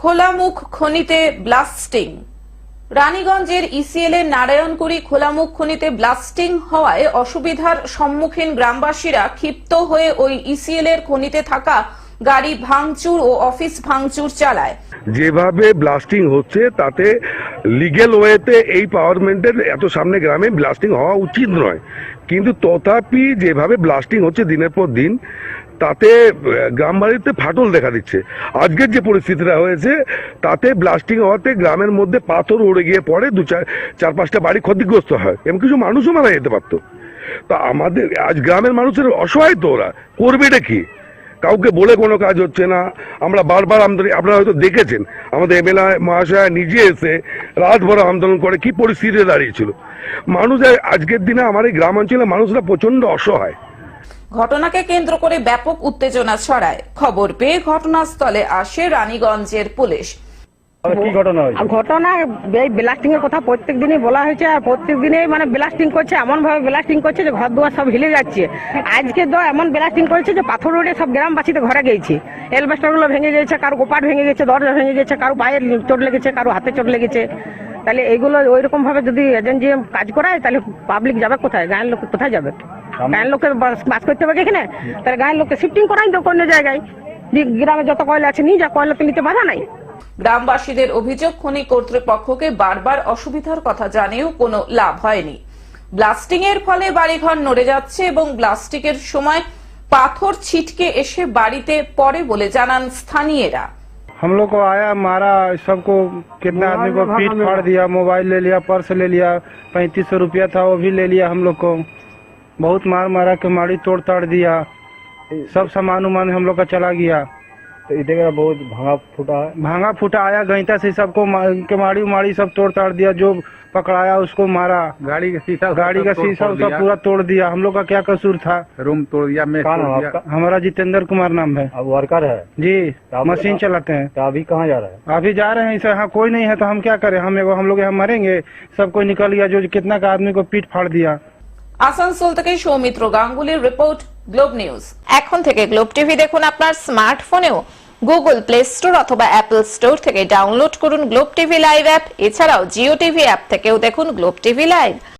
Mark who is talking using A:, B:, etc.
A: খোলামুখ খনিতে blasting. রানীগঞ্জের ECL এর নারায়ণকুড়ি খোলামুখ খনিতে blasting হওয়ায় অসুবিধার সম্মুখীন গ্রামবাসীরা ক্ষিপ্ত হয়ে ওই ইসিএল এর খনিতে থাকা গাড়ি ভাঙচুর ও অফিস ভাঙচুর চালায়।
B: যেভাবে ব্লাস্টিং হচ্ছে তাতে লিগ্যাল ওয়েতে এই পাওয়ারমেন্টের এত সামনে গ্রামে ব্লাস্টিং হওয়া উচিত নয়, কিন্তু তথাপি যেভাবে ব্লাস্টিং হচ্ছে দিনের পর দিন তাতে গ্রামবাড়িতে ফাটল দেখা দিচ্ছে। আজকের যে পরিস্থিতিটা হয়েছে তাতে ব্লাস্টিং হওয়াতে গ্রামের মধ্যে পাথর উড়ে গিয়ে পড়ে, চার পাঁচটা বাড়ি ক্ষতিগ্রস্ত হয় এবং কিছু মানুষও মারা যেতে পারতো। তা আমাদের আজ গ্রামের মানুষের অসহায়, তো ওরা করবে এটা কি? কাউকে বলে কোনো কাজ হচ্ছে না। আমরা বারবার আপনারা হয়তো দেখেছেন আমাদের এমএলএ মহাশয় নিজে এসে রাত ভর আন্দোলন করে কি পরিস্থিতিতে দাঁড়িয়েছিল মানুষ। আজকের দিনে আমার এই গ্রামাঞ্চলে মানুষরা প্রচন্ড অসহায়।
A: ঘটনাকে কেন্দ্র করে ব্যাপক উত্তেজনা ছড়ায়। খবর পেয়ে ঘটনাস্থলে আসে রানীগঞ্জের পুলিশ।
C: কি ঘটনা হয়েছে?
D: ঘটনা এই ব্লাস্টিং এর কথা প্রত্যেক দিনই বলা হয়েছে, আর প্রত্যেক দিনই মানে ব্লাস্টিং করছে, এমন ভাবে ব্লাস্টিং করছে যে ঘর দুয়ার সব হিলে যাচ্ছে। আজকে তো এমন ব্লাস্টিং করেছে যে পাথর উড়ে সব গ্রামবাসীতে ঘরে গেছে, এলবেস্টার গুলো ভেঙে গেছে, কারো গোপাট ভেঙে গেছে, দরজা ভেঙে গেছে, কারো পায়ে চোট লেগেছে, কারো হাতে চোট লেগেছে। তাহলে এইগুলো ওই রকম ভাবে যদি এজেন্সি কাজ করায় তাহলে পাবলিক যাবে কোথায়? গায়ের লোক কোথায় যাবে? গায়ের লোককে বাস করতে হবে এখানে, তাহলে গায়ের লোককে শিফটিং করাই তো অন্য জায়গায়। গ্রামে যত কয়লা আছে নিয়ে যা, কয়লা তো নিতে বাধা নাই।
A: গ্রামবাসীদের অভিযোগ, খনি কর্তৃপক্ষকে বারবার অসুবিধার কথা জানিয়েও কোনো লাভ হয়নি। ব্লাস্টিং এর ফলে বাড়িঘর নড়ে যাচ্ছে এবং ব্লাস্টিং এর সময় পাথর ছিটকে এসে বাড়িতে পড়ে বলে জানান স্থানীয়রা।
C: हम लोग को आया, मारा, सबको कितना आदमी को पीट फाड़ दिया, मोबाइल ले लिया, पर्स ले लिया, 3500 रुपया था वो भी ले लिया। हम लोग को बहुत मार मारा के माड़ी तोड़ ताड़ दिया, सब सामान उमान हम लोग का चला गया।
E: तो इधर बहुत
C: भांगा फूटा आया गईता से सबको के माड़ी उमाड़ी सब तोड़ ताड़ दिया, जो पकड़ाया उसको मारा। गाड़ी का शीशा सब पूरा तोड़ दिया। हम लोग का क्या कसूर था?
E: रूम तोड़ दिया। मैं
C: हमारा जितेंद्र कुमार नाम है।
E: अब वर्कर है
C: जी, मशीन चलाते हैं।
E: तो अभी कहाँ जा रहा है?
C: अभी जा रहे हैं, यहाँ कोई नहीं है तो हम क्या करें? हम लोग यहाँ मरेंगे। सब कोई निकल गया, जो कितना का आदमी को पीट फाड़ दिया।
A: আসানসোল থেকে সৌমিত্র গাঙ্গুলির রিপোর্ট, গ্লোব নিউজ। এখন থেকে গ্লোব টিভি দেখুন আপনার স্মার্টফোনেও। গুগল প্লে স্টোর অথবা অ্যাপল স্টোর থেকে ডাউনলোড করুন গ্লোব টিভি লাইভ অ্যাপ। এছাড়াও জিও টিভি অ্যাপ থেকেও দেখুন গ্লোব টিভি লাইভ।